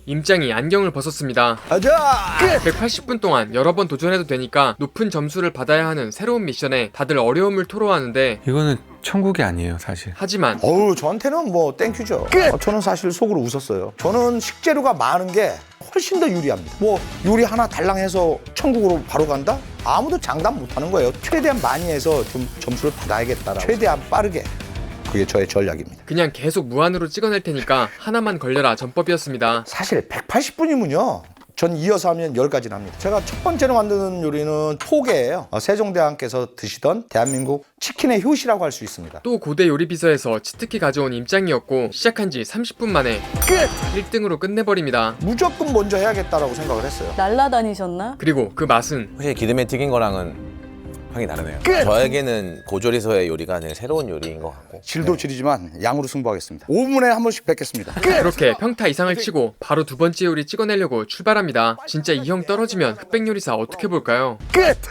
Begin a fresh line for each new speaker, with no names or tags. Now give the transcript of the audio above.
임짱이 안경을 벗었습니다.
가자!
180분 동안 여러 번 도전해도 되니까 높은 점수를 받아야 하는 새로운 미션에 다들 어려움을 토로하는데,
이거는 천국이 아니에요, 사실.
하지만
어우, 저한테는 뭐 땡큐죠. 저는 사실 속으로 웃었어요. 저는 식재료가 많은 게 훨씬 더 유리합니다. 뭐 요리 하나 달랑 해서 천국으로 바로 간다? 아무도 장담 못 하는 거예요. 최대한 많이 해서 좀 점수를 받아야겠다라고. 최대한 빠르게. 그게 저의 전략입니다.
그냥 계속 무한으로 찍어낼 테니까 하나만 걸려라 전법이었습니다.
사실 180분이면요. 전 이어서 하면 10가지나 합니다. 제가 첫 번째로 만드는 요리는 포게예요. 세종대왕께서 드시던 대한민국 치킨의 효시라고 할 수 있습니다.
또 고대 요리비서에서 치트키 가져온 임짱이었고, 시작한 지 30분 만에
끝!
1등으로 끝내버립니다.
무조건 먼저 해야겠다라고 생각을 했어요.
날라다니셨나?
그리고 그 맛은
확실히 기름에 튀긴 거랑은 향이 다르네요.
끝!
저에게는 고조리서의 요리가 되게 새로운 요리인 것 같고.
질도 질이지만 양으로 승부하겠습니다. 5분에 한 번씩 뵙겠습니다.
그렇게 평타 이상을 치고 바로 두 번째 요리 찍어내려고 출발합니다. 진짜 이 형 떨어지면 흑백요리사 어떻게 볼까요?
끝!